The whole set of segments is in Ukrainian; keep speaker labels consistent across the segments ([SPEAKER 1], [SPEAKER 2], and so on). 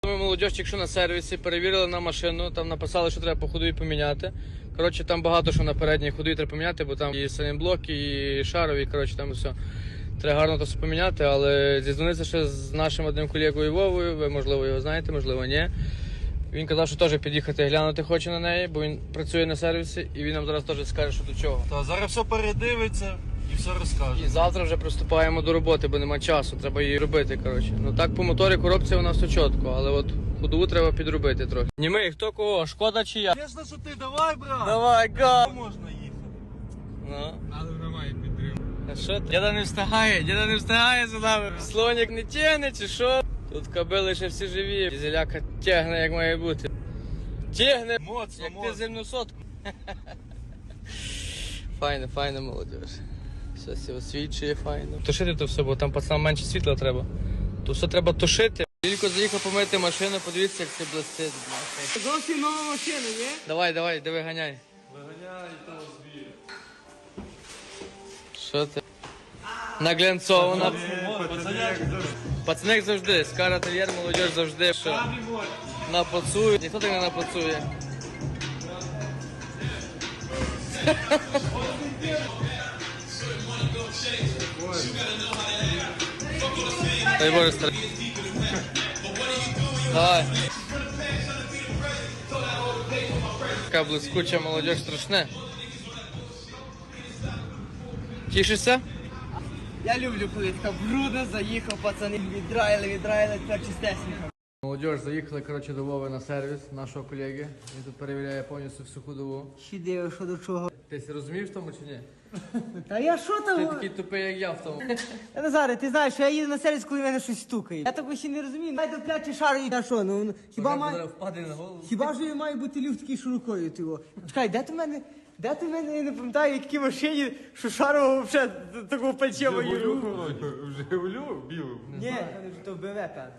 [SPEAKER 1] Ми молодіж, якщо на сервісі, перевірили на машину, там написали, що треба по ходові поміняти. Коротше, там багато що на передній ходові треба поміняти, бо там і санінблок, і шарові, коротше, там все. Треба гарно то все поміняти, але зізвонився ще з нашим одним колегою Вовою, ви, можливо, його знаєте, можливо, ні. Він казав, що теж під'їхати глянути хоче на неї, бо він працює на сервісі, і він нам зараз теж скаже, що до чого.
[SPEAKER 2] Та зараз все передивиться і все розкаже.
[SPEAKER 1] І завтра вже приступаємо до роботи, бо нема часу, треба її робити, коротше. Ну так по моторі коробці у нас все чітко, але от ходову треба підробити трохи. Німий, хто кого, Шкода чи я?
[SPEAKER 2] Звісно, що ти, давай, брат.
[SPEAKER 1] Давай, га!
[SPEAKER 2] Можна їхати.
[SPEAKER 1] Ну.
[SPEAKER 2] Але немає підтримки.
[SPEAKER 1] А що ти? Діда не встигає за нами. Слонік не тягне чи що? Тут кобили ще всі живі. Дізеляка тягне, як має бути. Тягне,
[SPEAKER 2] Моцно,
[SPEAKER 1] як
[SPEAKER 2] моцно.
[SPEAKER 1] ти земну сотку. Файно, молодіж. Все все освічує, файно. Тушити то все, бо там пацанам менше світла треба. То все треба тушити. Тільки заїхав помити машину, подивіться, як це блистить.
[SPEAKER 3] Зовсім нова машина, ні?
[SPEAKER 1] Давай, диви, ганяй.
[SPEAKER 2] Виганяй того збір.
[SPEAKER 1] Що ти? Наглянцована. Пацаник завжди, скара тер'єр, молодіж завжди. Що? Напацує. Ніхто так не напацує. Дай Боже, старий. Давай. Така блискуча молодіж страшне. Тішишся?
[SPEAKER 3] Я люблю, коли така брудно заїхав, пацани віддраїли, тепер чистесенько.
[SPEAKER 1] Молодіж, заїхали, коротше, до Вови на сервіс нашого колеги. Він тут перевіряє повністю всю ходову.
[SPEAKER 3] Ще диво, що до чого.
[SPEAKER 1] Ти розумієш в тому чи ні?
[SPEAKER 3] Та я що
[SPEAKER 1] Ти
[SPEAKER 3] там?
[SPEAKER 1] такий тупий, як я в тому.
[SPEAKER 3] Назаре, ти знаєш, що я їду на сервіс, коли в мене щось стукає. Я такого ще не розумію. Дай до плячі шару і що, ну хіба має...
[SPEAKER 1] Впаде на голову.
[SPEAKER 3] Хіба ж має бути люфт такий широкою, ти його? Чекай, де ти мене, я не пам'ятаю, в якій машині, що шарова взагалі такого пальчева є руку.
[SPEAKER 2] Жигулю білу.
[SPEAKER 3] Ні, то БВ, певно.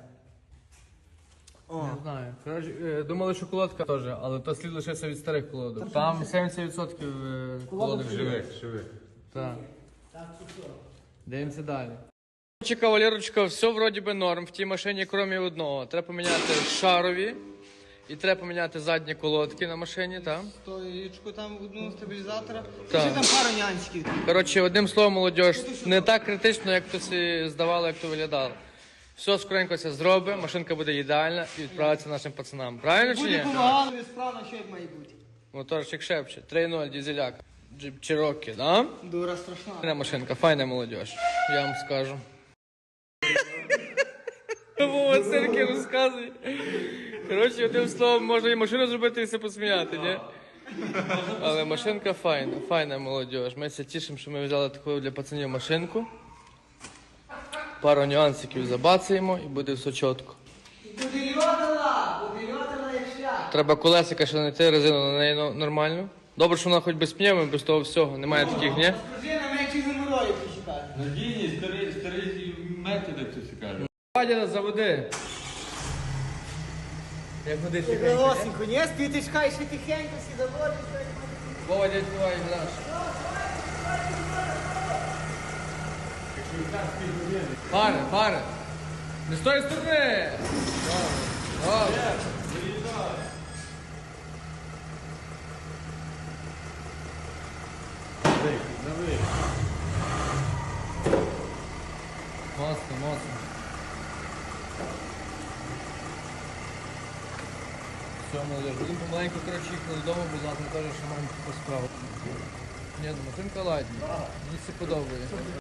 [SPEAKER 1] Не знаю. Коротше, думали, що колодка теж, але то слід лишився від старих колодок. Там 70% колодок живих. Так. Дивимося далі. Коротше, кавалерочка, все вроді би норм в тій машині, крім одного. Треба поміняти шарові і треба поміняти задні колодки на машині, так?
[SPEAKER 3] Стоїчку там одну стабілізатора.
[SPEAKER 1] Так.
[SPEAKER 3] Ще там пару нюансиків.
[SPEAKER 1] Коротше, одним словом, молодіж, не так критично, як то всі здавало, як то виглядало. Все скоренько це зробить, машинка буде ідеальна і відправиться нашим пацанам. Правильно чи
[SPEAKER 3] Буде
[SPEAKER 1] ні?
[SPEAKER 3] помагало, справно, що як має бути.
[SPEAKER 1] Моторчик шепче. 3.0 дізеляка. Джип Чирокі, да?
[SPEAKER 3] Дура страшна.
[SPEAKER 1] Файна машинка, файна молодіж. Я вам скажу. Вова цирки розказує. Коротше, одним словом, можна і машину зробити і все посміяти, ні? Але машинка файна молодіж. Ми все тішимо, що ми взяли таку для пацанів машинку. Пару нюансиків забацаємо і буде все чітко.
[SPEAKER 3] Будильотала як шлях.
[SPEAKER 1] Треба колесика ще знайти, резину на неї нормальну. Добре, що вона хоч без пневми, без того всього. Немає таких, ні?
[SPEAKER 3] Пружина менше геморрою почекати.
[SPEAKER 2] Надійні, старі методи, хтось каже.
[SPEAKER 1] Вадя, заводи. Як води тихенько, ні?
[SPEAKER 3] Голосенько, ні? Спіти чекай, ще тихенько, всі доводиться.
[SPEAKER 1] Вова, дядь, давай, глянь. Пари. Не з тої сторони. Добре. Моцно. Все, молодежь, будемо помаленьку, коротше, їхали додому, бо завтра теж ще маємо таку справу. Ні, ну машинка ладні. Мені це подобається.